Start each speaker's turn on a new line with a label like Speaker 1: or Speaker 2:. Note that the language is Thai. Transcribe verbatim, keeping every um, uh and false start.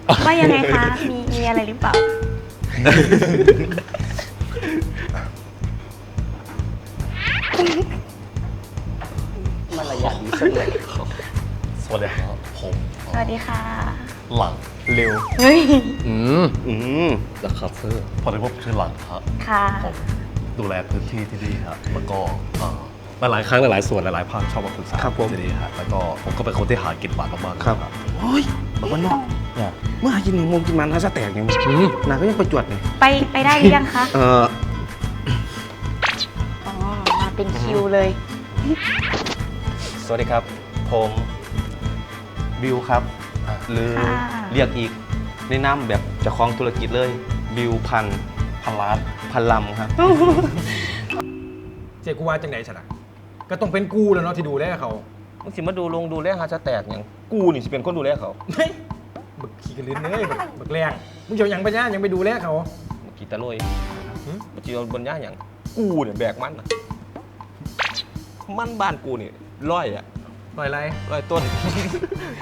Speaker 1: ว่ายังไงคะ มีมีอะไรหรือเปล่า
Speaker 2: มารยาทดีสักเลย
Speaker 3: สวัสดีครับผม
Speaker 1: สวัสดีค่ะ
Speaker 3: หลังเร็ว
Speaker 1: เฮ้ย
Speaker 3: อืม
Speaker 2: อืม
Speaker 3: นะครับเพื่อพอดีว่าผมชื่อหลังครับ
Speaker 1: ค่ะ
Speaker 3: ผมดูแลพื้นที่ที่นี่ครับแล้วก็เอ่อหลายๆครั้งหลายๆส่วนหลายๆภาคชอบมาปรึกษา
Speaker 2: ครับผม
Speaker 3: ที่นี่ครับแล้วก็ผมก็เป็นคนที่หากินหวานมากๆ
Speaker 2: ครับ
Speaker 3: ครับ
Speaker 2: โอ้ยบอกว่าเนอก
Speaker 3: เนี่ย
Speaker 2: เมื่อหากินหนึ่งโมงกินมันถ้าจะแตกยัง
Speaker 3: อืม
Speaker 2: นางก็ยังไปจวดเลย
Speaker 1: ไปไปได้หรือยังคะ
Speaker 2: เออ
Speaker 1: อ๋อ มาเป็นคิวเลย
Speaker 2: สวัสดีครับ ผมบิวครับ หรือ
Speaker 1: ค่ะ
Speaker 2: เรียกอีกในนามแบบเจ้าของธุรกิจเลย บิวพัน
Speaker 3: พันล้าน
Speaker 2: พันลำครับ
Speaker 4: เจ๊กูว่าจังไหนฉะนะก็ต้องเป็นกูแล้วเนาะที่ดูแลเขา
Speaker 2: มึงสิมาดูลงดูแลหาจะแตกอย่างกูนี่สิเป็นคนดูแลเขา
Speaker 4: เฮ้ยบึกขี้กระลืนเลยบึกบึกแรงมึงจะเอาหยังไปย่ายังไปดูแลเขา
Speaker 2: เมื่อกี้ตะลุย
Speaker 4: หึ
Speaker 2: เมื่อกี้บนย่าอย่างกูเนี่ยแบกมันน่ะมันบ้านกูนี่ร้อยอะ
Speaker 4: ปล่อยไร
Speaker 2: ร้อยต้น